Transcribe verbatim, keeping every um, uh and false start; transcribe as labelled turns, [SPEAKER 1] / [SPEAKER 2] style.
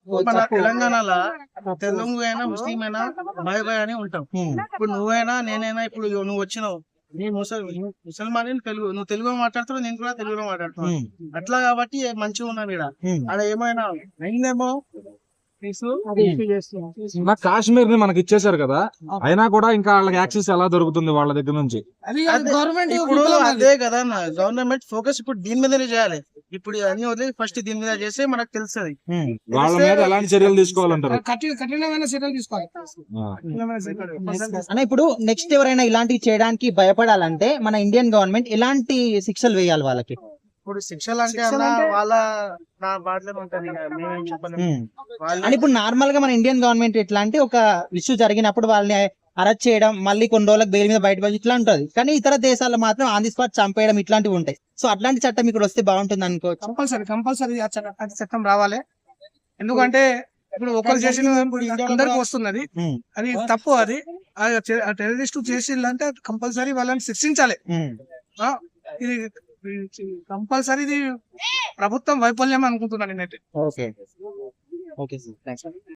[SPEAKER 1] మన తెలంగాణలో తెలుగు అయినా ముస్లిం అయినా బాయ్ బాయ్ అని ఉంటాం. ఇప్పుడు నువ్వైనా నేనైనా ఇప్పుడు నువ్వు వచ్చినావు నీ ముసల్ ముసల్మాన్ తెలుగు నువ్వు తెలుగులో మాట్లాడుతున్నావు, నేను కూడా తెలుగులో మాట్లాడుతున్నాను. అట్లా కాబట్టి మంచిగా ఉన్నాను ఇక్కడ. అక్కడ ఏమైనా అయిందేమో
[SPEAKER 2] నా కాశ్మీర్ ని మనకి ఇచ్చేసారు కదా, అయినా కూడా ఇంకా వాళ్ళకి యాక్సెస్ ఎలా దొరుకుతుంది వాళ్ళ దగ్గర నుంచి?
[SPEAKER 1] గవర్నమెంట్ ఇప్పుడు అదే కదా గవర్నమెంట్ ఫోకస్ ఇప్పుడు దీని మీదనే చేయాలి. ఇప్పుడు అన్ని వదిలి ఫస్ట్ దీని మీద చేస్తే మనకు తెలుస్తుంది
[SPEAKER 2] వాళ్ళ మీద ఎలాంటి చర్యలు తీసుకోవాలంటారు?
[SPEAKER 1] కఠినమైన చర్యలు తీసుకోవాలి.
[SPEAKER 3] అన్న ఇప్పుడు నెక్స్ట్ ఎవరైనా ఇలాంటివి చేయడానికి భయపడాలంటే మన ఇండియన్ గవర్నమెంట్ ఎలాంటి శిక్షలు వేయాలి వాళ్ళకి?
[SPEAKER 1] ఇప్పుడు శిక్షలు అంటే అన్న వాళ్ళ నా బాధలో ఉంటుంది, మేమేం చెప్పలేము.
[SPEAKER 3] అని ఇప్పుడు నార్మల్ గా మన ఇండియన్ గవర్నమెంట్ ఎట్లా అంటే ఒక ఇష్యూ జరిగినప్పుడు వాళ్ళని అరెస్ట్ చేయడం, మళ్ళీ కొన్ని రోజులకు బెయిల్ మీద బయట వచ్చి ఇట్లా ఉంటది. కానీ ఇతర దేశాల్లో మాత్రం ఆన్ ది స్పాట్ చంపేయడం ఇట్లాంటివి ఉంటాయి. సో అట్లాంటి చట్టం ఇక్కడ వస్తే బాగుంటుంది అనుకోవచ్చు.
[SPEAKER 1] కంపల్సరీ కంపల్సరీ అది చట్టం రావాలి. ఎందుకంటే ఇప్పుడు ఒకరు చేసిన అందరికి వస్తున్నది, అది తప్పు. అది టెర్రరిస్ట్ చేసిందంటే కంపల్సరీ వాళ్ళని శిక్షించాలి. ఇది కంపల్సరీ ఇది ప్రభుత్వం వైఫల్యం అనుకుంటున్నాను నేనైతే.
[SPEAKER 3] Okay okay sir, thanks.